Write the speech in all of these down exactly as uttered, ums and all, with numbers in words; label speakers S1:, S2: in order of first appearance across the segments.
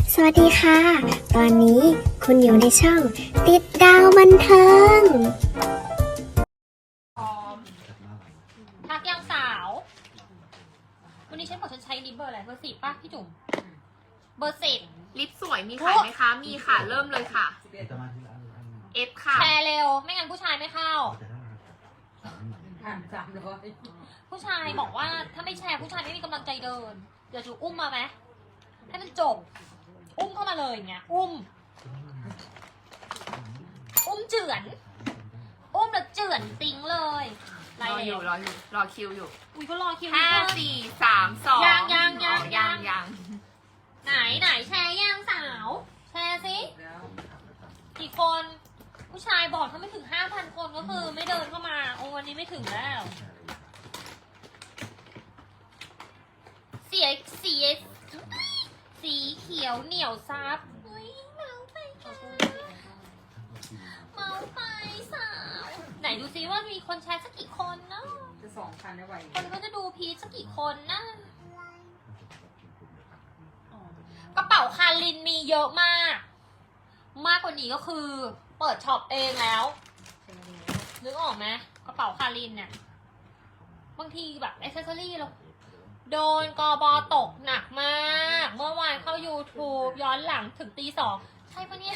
S1: สวัสดีค่ะ ตอนนี้คุณอยู่ในช่องติดดาวบันเทิง
S2: ทักยังสาว วันนี้ฉันบอกฉันใช้ลิปเบอร์อะไรเบอร์สิบป่ะพี่จุ๋มเบอร์สิบ
S3: ลิปสวยมีขายไหมคะ มีค่ะ เริ่มเลยค่ะ เอฟ ค่ะ
S2: แชร์เร็ว ไม่งั้นผู้ชายไม่เข้า
S4: ผ่านสามร้อย
S2: ผู้ชายบอกว่าถ้าไม่แชร์ผู้ชายไม่มีกำลังใจเดิน เดี๋ยวจูอุ้มมาไหมให้มันจบ อุ้มเข้ามาเลยอย่างเงี้ย อุ้ม อุ้มเจือน อุ้มแล้วเจือนติ้งเลยไร
S3: รออ
S2: เร็
S3: ยู่
S2: ว
S3: รออยู่ รอคิวอยู่
S2: อุ้ยก็รอคิว
S3: ห้า
S2: อยู่
S3: สี่สามสอง
S2: ยังยังยัง
S3: ยังยัง
S2: ไหนไหนแชร์ยังสาว แชร์สิ
S4: แล้ว
S2: กี่คน ผู้ชายบอกถ้าไม่ถึงห้าพันคนก็คือไม่เดินเข้ามา โอ้วันนี้ไม่ถึงแล้ว เสียสีสีเขียวเหนียวซับอุ้ยเมาไปค่ะเมาไปสาว ไหนดูซิว่ามีคนแชร์สักกี่คนเนาะ
S4: จะสองพันได้ไหว
S2: คนก็จะดูพีชสักกี่คนนะกระเป๋าคารินมีเยอะมาก มากกว่านี้ก็คือ เปิดช็อปเองแล้ว นึกออกไหมกระเป๋าคารินเนี่ยบางทีแบบอ c เซสซอรี่เราโดนกบตกหนักมาก เมื่อวานเข้า YouTube ย้อนหลังถึงตีสองใช่ปะเนี่ย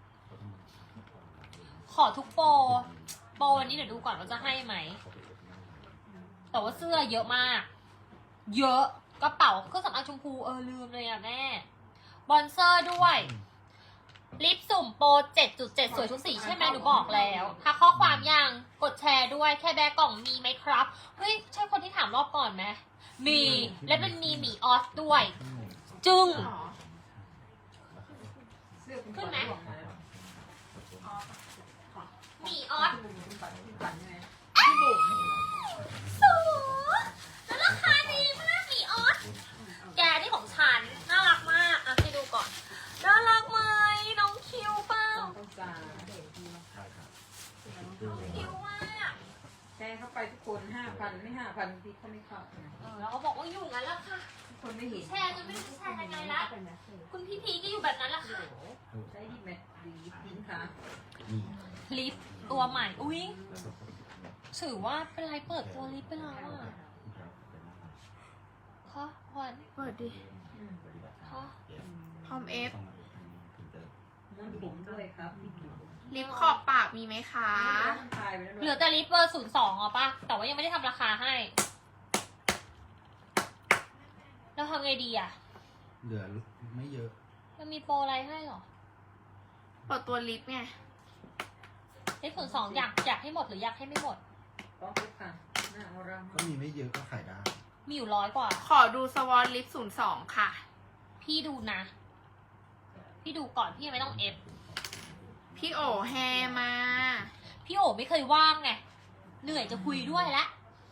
S2: ขอทุกโปรโปรวันนี้เดี๋ยวดูก่อนว่าจะให้ไหม แต่ว่าเสื้อเยอะมาก เยอะกระเป๋าเครื่องสำอางชมพูเออลืมเลยอ่ะแม่บอนเซอร์ด้วย ลิปสุ่มโปร เจ็ดจุดเจ็ด สวยทุกสีใช่ไหมหนูบอกแล้วถ้าข้อความยังกดแชร์ด้วยแค่แบกกล่องมีไหมครับ เฮ้ย ใช่คนที่ถามรอบก่อนไหมมี และมันมีหมีออสด้วย จึง ขึ้นไหม หมีออสสูแล้วราคาดีมากหมีออสแกนี่ของฉันน่ารักมากอ่ะให้ดูก่อนน่ารักไหมน้องคิวเปล่า
S4: ต้องจ่าย
S2: คิวมาก
S4: แชร์เข้าไปทุกคนห้าพันไม่ห้าพันพี่เขาไม่เข้า
S2: เออแล้วก็บอกว่าอยู่งั้นละค่ะ
S4: ทุกคนไม่เห็น
S2: แชร์จนไม่รู้จะแชร์ยังไงละคุณพี่พีก็อยู่แบบนั้นละค่ะ
S4: ใช้ดีแมทดีทิ้งค่ะ
S2: ลิปตัวใหม่อุ้ยถือว่าเป็นไรเปิดตัวลิปไปแล้วอ่ะคะขวัญ
S3: เปิดดิ
S2: คะ
S3: พร้อมเอฟ
S4: น้ำผมด้วยครับ
S3: ลิปขอบปากมีไหมคะ
S4: ตายไปแล้ว
S2: เหลือแต่ลิปเบอร์ศูนย์สองอ่ะป่ะแต่ว่ายังไม่ได้ทำราคาให้เราทำไงดีอ่ะ
S5: เหลือไม่เยอะ
S2: มันมีโปรอะไรให้หรอ
S3: เปิดตัวลิปไง
S2: ลิปศูนย์สองอยากอยากให้หมดหรืออยากให้ไม่หมด
S4: ต้องทุกค่ะหน้าเอาเรา
S5: ก็มีไม่เยอะก็ขายได้
S2: มีอยู่ร้อยกว่า
S3: ขอดูสวอตลิปศูนย์สองค่ะ
S2: พี่ดูนะ พี่ดูก่อนพี่ยังไม่ต้องเอฟ
S3: พี่โอแฮมา
S2: พี่โอไม่เคยว่างไง เหนื่อยจะคุยด้วยละ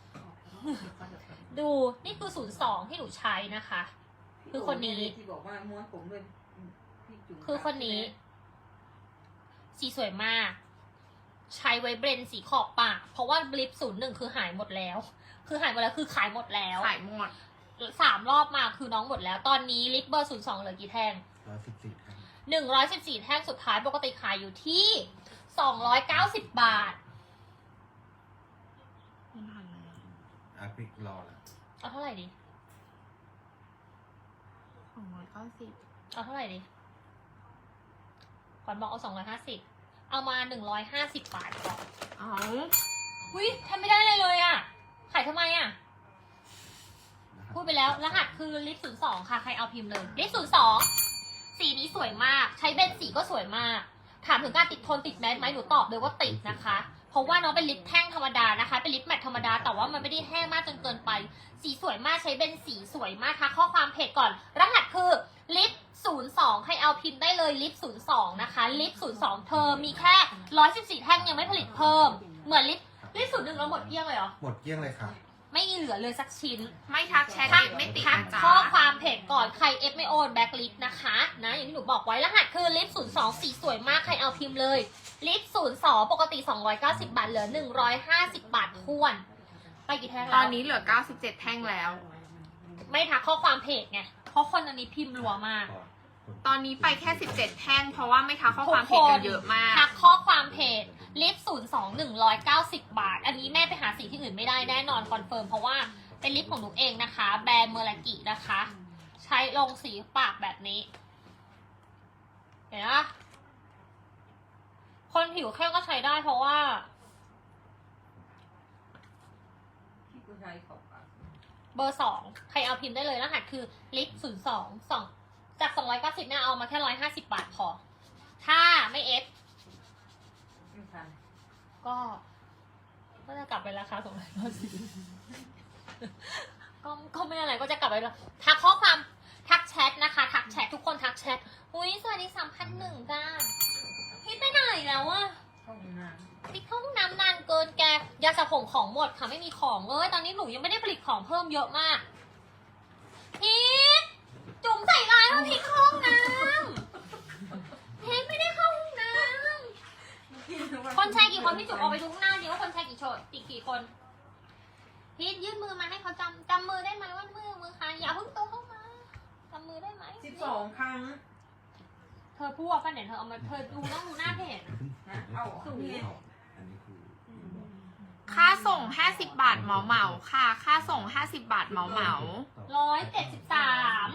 S2: ดูนี่คือศูนย์สองที่หนูใช้นะคะ คือคนนี้
S4: ที่บอกว่าม้วนผมด้วยพี่จุ๋ม
S2: คือคนนี้ สีสวยมาก ใช้ไว้เบรนสีขอบปาก เพราะว่าบลิปศูนย์หนึ่งคือหายหมดแล้ว คือหายหมดแล้วคือขายหมดแล้ว
S3: ขายหมด
S2: สามรอบมาคือน้องหมดแล้ว ตอนนี้ลิปเบอร์ศูนย์สองเหลือกี่แท่ง
S5: ร้อยสิบสี่ครับ
S2: หนึ่งร้อยสิบสี่แท่งสุดท้ายปกติขายอยู่ที่สองร้อยเก้าสิบบาท
S5: อาปิกรอแล้ว
S2: เอาเท่าไหร่ดี
S3: สองร้อยเก้าสิบ
S2: เอาเท่าไหร่ดีขวัญบอกเอาสองร้อยห้าสิบเอามาหนึ่งร้อยห้าสิบบาทก่อน
S3: อ๋อ
S2: อุ้ยทำไม่ได้เลยเลยอ่ะ ขายทำไมอ่ะ
S5: นะครับ
S2: พูดไปแล้ว รหัสคือลิปศูนย์สองค่ะ ใครเอาพิมพ์เลย ลิปศูนย์สองสีนี้สวยมาก ใช้เบนสีก็สวยมาก ถามถึงการติดทนติดแมสไหมหนูตอบเลยว่าติดนะคะ เพราะว่าน้องเป็นลิปแท่งธรรมดานะคะ เป็นลิปแมทธรรมดา แต่ว่ามันไม่ได้แห้งมากจนเกินไป สีสวยมาก ใช้เบนสีสวยมากค่ะ ข้อความเพจก่อน รหัสคือลิปศูนย์สองให้เอาพิมพ์ได้เลยลิปศูนย์สองนะคะ ลิปศูนย์สองเธอมีแค่ร้อยสิบสี่แท่งยังไม่ผลิตเพิ่ม เหมือนลิปลิปศูนย์หนึ่งเราหมดเกลี้ยงเลยเหรอ
S5: หมดเกลี้ยงเลยค่ะ
S2: ไม่เหลือเลยสักชิ้น
S3: ไม่ทักแชท
S2: ทัก
S3: ไม่ติด
S2: ทัก
S3: นะจ๊ะ
S2: ข้อความเพจก่อนใครเอฟไม่โอนแบ็คลิฟนะคะนะอย่างที่หนูบอกไว้รหัสคือลิฟศูนย์สองสีสวยมากใครเอาพิมพ์เลยลิฟศูนย์สองปกติสองร้อยเก้าสิบบาทเหลือหนึ่งร้อยห้าสิบบาททวน ไปกี่แท่ง
S3: ต
S2: แล้
S3: อ
S2: วน
S3: นี้เหลือเก้าสิบเจ็ดแท่งแล้ว
S2: ไม่ทักข้อความเพจไงเพราะคนอันนี้พิมพ์รัวมาก
S5: พอ
S3: ตอนนี้ไปแค่สิบเจ็ดแท่งเพราะว่าไม่ทักข้อความเพจกันเยอะมาก
S2: ทักข้อความเพจลิปศูนย์สองหนึ่งร้อยเก้าสิบบาท อันนี้แม่ไปหาสีที่อื่นไม่ได้แน่นอนคอนเฟิร์มเพราะว่าเป็นลิปของหนูเองนะคะ แบรนด์เมอรากินะคะ ใช้ลงสีปากแบบนี้ เห็นไหมคนผิวเข้มก็ใช้ได้เพราะว่า
S4: ที่กูใช้ของปาก
S2: เบอร์สองใครเอาพิมพ์ได้เลยรหัสคือลิปศูนย์สองสองจากสองร้อยเก้าสิบเนี่ยเอามาแค่ร้อยห้าสิบบาทพอ ถ้าไม่เอฟ
S4: ไม่ทัน
S2: ก็ก็จะกลับไปราคาสองร้อยเก้าสิบก็ก็ไม่อะไรก็จะกลับไปแล้วทักข้อความทักแชทนะคะ ทักแชททุกคนทักแชทอุ้ยสวัสดีสามพันหนึ่งจ้าพี่ไปไหนแล้วอะ
S4: เข้าห้องน้
S2: พี่เข้าห้องน้ำนานเกินแกยาสระผมของหมดค่ะไม่มีของเลยตอนนี้หนูยังไม่ได้ผลิตของเพิ่มเยอะมากพีทจุ่มใส่ร้ายว่าพีทเข้าห้องน้ำพีทไม่ได้เข้าห้องน้ำ
S4: ำ
S2: คนแชร์กี่คนพี่จุ๋มออกไปดูข้างหน้าดิว่าคนแชร์กี่โชดกี่กี่คนพีทยื่นมือมาให้เขาจำจำมือได้ไหมว่ามือมือใครอย่าเพิ่งโตเข้ามาจำมือได้ไหม
S4: สิบสองครั้ง
S2: เธอพูดว่าป้าเนี่ยเธอเอามาเธอดูต้องดูหน้าเพจ
S4: นะเอาออกนี่
S5: อันนี้คือ
S3: ค่าส่งห้าสิบบาทเหมาเหมาๆค่ะ ค่าส่งห้าสิบบาทเหมาเหมา
S2: ร้อยเจ็ดสิบสาม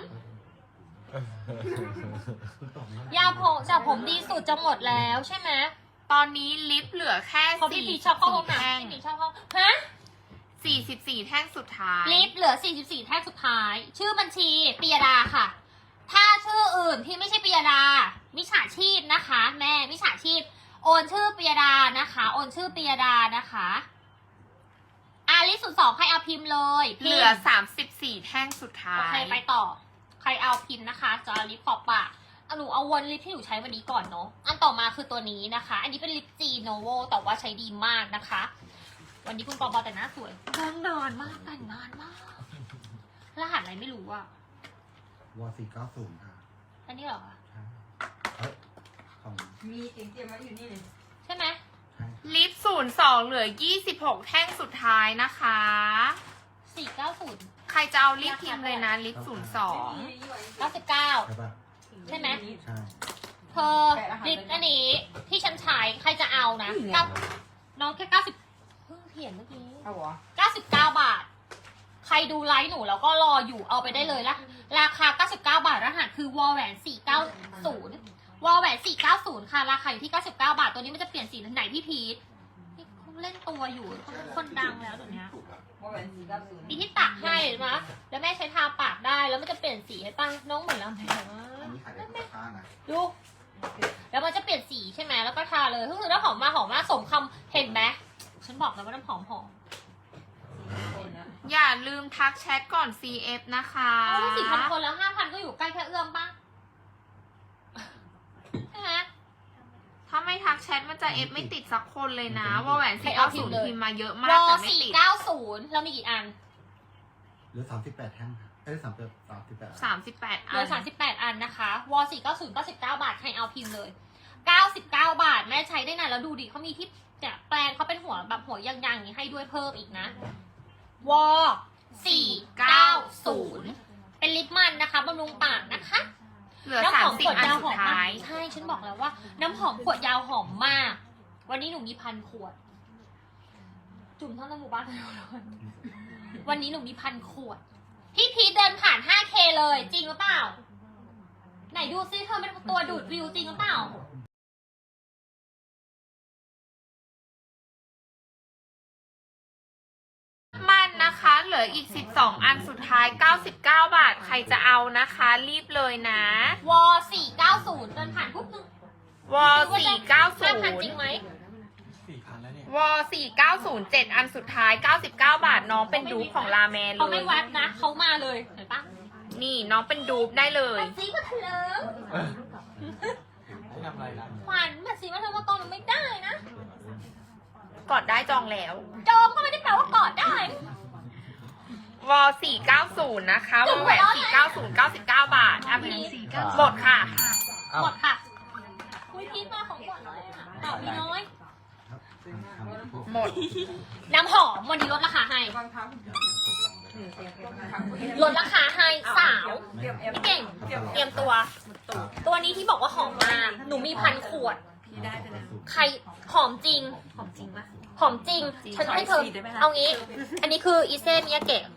S2: ยาผมจากผมดีสุดจะหมดแล้วใช่ไหม
S3: ๆตอนนี้ลิปเหลือแค่
S2: เพราะพี่
S3: สี่
S2: พี
S3: สิบ
S2: ชอบเข้าห้
S3: สี่
S2: องน้
S3: แท่ง
S2: ำพี่พีชอบเข้าฮะ
S3: สี่สิบสี่แท่งสุดท้าย
S2: ลิฟต์เหลือสี่สิบสี่แท่งสุดท้าย ชื่อบัญชีปิยดาค่ะ ถ้าชื่ออื่นที่ไม่ใช่ปิยดา มิจฉาชีพนะคะ แม่มิจฉาชีพ โอนชื่อปิยดานะคะ โอนชื่อปิยดานะคะอาลิสสุดสองใครเอาพิมพ์เลยพิมพ์
S3: เหลือสามสิบสี่แท่งสุดท้า
S2: โอเค
S3: ย
S2: ไปต่อ ใครเอาพิมพ์นะคะจะเอาลิปขอบปากเอาหนูเอาวนลิปที่หนูใช้วันนี้ก่อนเนาะ อันต่อมาคือตัวนี้นะคะ อันนี้เป็นลิปจีโนโวแต่ว่าใช้ดีมากนะคะ วันนี้คุณปอปอแต่งหน้าสวยแต่งนานมากแต่งนานมาก รหัสอะไรไม่รู้อะ
S5: วอสี่เก้าศูนย์ค่ะ
S2: อันนี้เหรอคะ
S5: ใช่เฮ้ยของ
S4: มีเตรียมเตรียมไว้อยู่นี่เลย
S2: ใช่ไหม
S5: ใช่
S3: ลิปศูนย์สองเหลือยี่สิบหกแท่งสุดท้ายนะคะ
S2: สี่เก้าศูนย์
S3: ใครจะเอาลิปพิมพ์เลยนะ ลิปศูนย์สอง
S4: ไม่มีอยู่ไว้
S2: เก้าสิบเก้า
S5: ใช่ปะ
S2: ใช่ไหม
S5: ใช่
S2: เธอลิปอันนี้ที่ฉันใช้ใครจะเอานะเก้าน้องแค่เก้าสิบเพิ่งเขียนเมื่อกี้
S4: เอาเหรอ
S2: เก้าสิบเก้าบาท ใครดูไลฟ์หนูแล้วก็รออยู่เอาไปได้เลยละราคาเก้าสิบเก้าบาทรหัสคือวอลแหวนสี่เก้าศูนย์วอลแหวนสี่เก้าศูนย์ค่ะราคาอยู่ที่เก้าสิบเก้าบาทตัวนี้มันจะเปลี่ยนสีไหนพี่พีทนี่เขาเล่นตัวอยู่เขาเป็นคนดังแล้วเดี๋ยวนี้
S4: ว่าแหวนสี่เก้าศูนย์
S2: มีที่ตักให้นะแล้วแม่ใช้ทาปากได้แล้วมันจะเปลี่ยนสีให้ป้าน้องเหมือนเราไหม
S5: อันนี้ขายได้ราคานะ
S2: ดูแล้วมันจะเปลี่ยนสีใช่ไหมแล้วก็ทาเลยก็คือน้ำหอมมาหอมมากสมคำเห็นไหมฉันบอกแล้วว่าน้ำหอมหอม
S4: คนนะ
S3: อย่าลืมทักแชทก่อน ซี เอฟ นะคะ
S2: เอาสี่พันคนแล้วห้าพันก็อยู่ใกล้แค่เอื้อมป่ะใช่ไหม
S3: ถ้าไม่ทักแชทมันจะเอฟไม่ติดสักคนเลยนะ ว่าแหวน
S2: ใคร
S3: สี่
S2: เอา
S3: เก้า
S2: พิ
S3: ศู
S2: ม
S3: น
S2: พ์
S3: ย์
S2: เลย
S3: พิมพ์มาเยอะ
S2: ว
S3: มาก
S2: อ
S3: แต่ไม่
S2: สี่
S3: ติด
S2: เก้าศูนย์เรามีกี่อัน
S5: หรือสามสิบแปดแท่งค่ะเอ้ยสามสิบสามสิบแปด
S3: สามสิบแปด
S2: เห
S3: อั
S2: ลือน สามสิบแปดอันนะคะวอสี่เก้าศูนย์เก้าสิบเก้าบาทใครเอาพิมพ์เลยเก้าสิบเก้าบาทแม่ใช้ได้นานแล้วดูดิเขามีที่เนี่ยแปลงเขาเป็นหัวแบบหัวยางๆอย่างนี้ให้ด้วยเพิ่มอีกนะวอสี่เก้าศูนย์เป็นลิปมันนะคะบำรุงปากนะคะ
S3: เหลือ
S2: น้ำ
S3: สา
S2: ห
S3: ม
S2: อม
S3: สิ
S2: ข
S3: บ
S2: วด
S3: อัน
S2: ยาวห
S3: สุ
S2: อ
S3: ด
S2: มมา
S3: ท้าก ย
S2: ใช่ ฉันบอกแล้วว่า น้ำหอมขวดยาวหอมมาก วันนี้หนูมีพันขวด จุ่มเท่าในหมู่บ้านเลยวันนี้หนูมีพันขวด พี่พีทเดินผ่าน ห้าเค เลย จริงหรือเปล่า ไหนดูซิเธอเป็นตัวดูดวิวจริงหรือเปล่า
S3: มันนะคะ เหลืออีกสิบสองอันสุดท้ายเก้าสิบเก้าบาท ใครจะเอานะคะ รีบเลยนะ
S2: วอสี่เก้าศูนย์เดินผ่านปุ๊บนึง
S3: วอสี่เก้าศู
S2: ห้าพัน
S3: น
S2: จริ
S3: ย์
S2: งไหม
S5: สี่พันแล้วเนี่ย
S3: วอสี่เก้าศูนย์เจ็ดอันสุดท้ายเก้าสิบเก้าบาทน้องเป็นดูปของลาแมนเล
S2: เขาไม่
S3: ย
S2: วัดนะ เขามาเลย เห็นปะ
S3: นี่น้องเป็นดูปได้เลย
S2: มันซีมาเถลิง
S5: ไม่ทำอะไรนะ
S2: ขวัญมันซีมาเถลิงมากองหนูไม่ได้นะ
S3: กดได้จองแล้ว
S2: จองก็ไม่ได้แปลว่ากอดได้
S3: วอสี่เก้าศูนย์นะคะวอแหวนสี่เก้าศูนย์เก้าสิบเก้าบาทอ่ะพี่หมดค่ะ
S2: หมดค่ะคุยพีทมาของขวัญน้อยอ่ะตอบมีน้อย
S3: หมด
S2: น้ำหอมวันนี้ลดราคาให้
S4: บางครั้ง
S2: ลดราคาให้สาว
S4: เตรียมเอฟ
S2: พี่เก่ง
S5: เตรียม
S2: เตรียมตัว ตัวนี้ที่บอกว่าหอมมาก หนูมีพันขวด
S3: พี่ได้ไปแล้ว
S2: ใครหอมจริง
S3: หอมจริงปะ
S2: หอมจริง ฉันให้เธอ
S3: ขออีกทีได้ไหมคะ
S2: เอางี้ อันนี้คืออีเซมิยาเกะ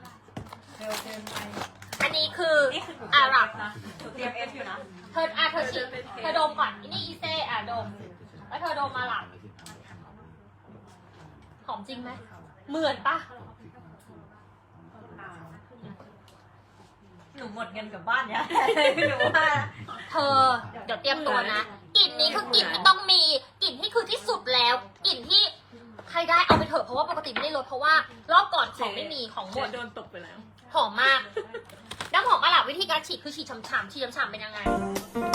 S2: อันนี้คืออาหรับ
S3: เตรียมเอฟอยู่นะ
S2: เธออ่ะเธอฉีดเธอดมก่อนอันนี้อีเซอ่ะดม แล้วเธอดมมาหลับหอมจริงไหม เหมือนปะ
S3: หนูหมดเงินกับบ้านเนี่ยหนูว่า
S2: เธอ เดี๋ยวเตรียมตัวนะ กลิ่นนี้คือกลิ่นที่ต้องมี กลิ่นที่คือที่สุดแล้ว กลิ่นที่ใครได้เอาไปเถอะเพราะว่าปกติไม่ได้ลดเพราะว่ารอบก่อนของไม่มีของหมด
S3: โดนตกไปแล้ว
S2: หอมมาก น้ำหอมอาหรับวิธีการฉีดคือฉีดฉ่ำๆฉีดฉ่ำๆเป็นยังไง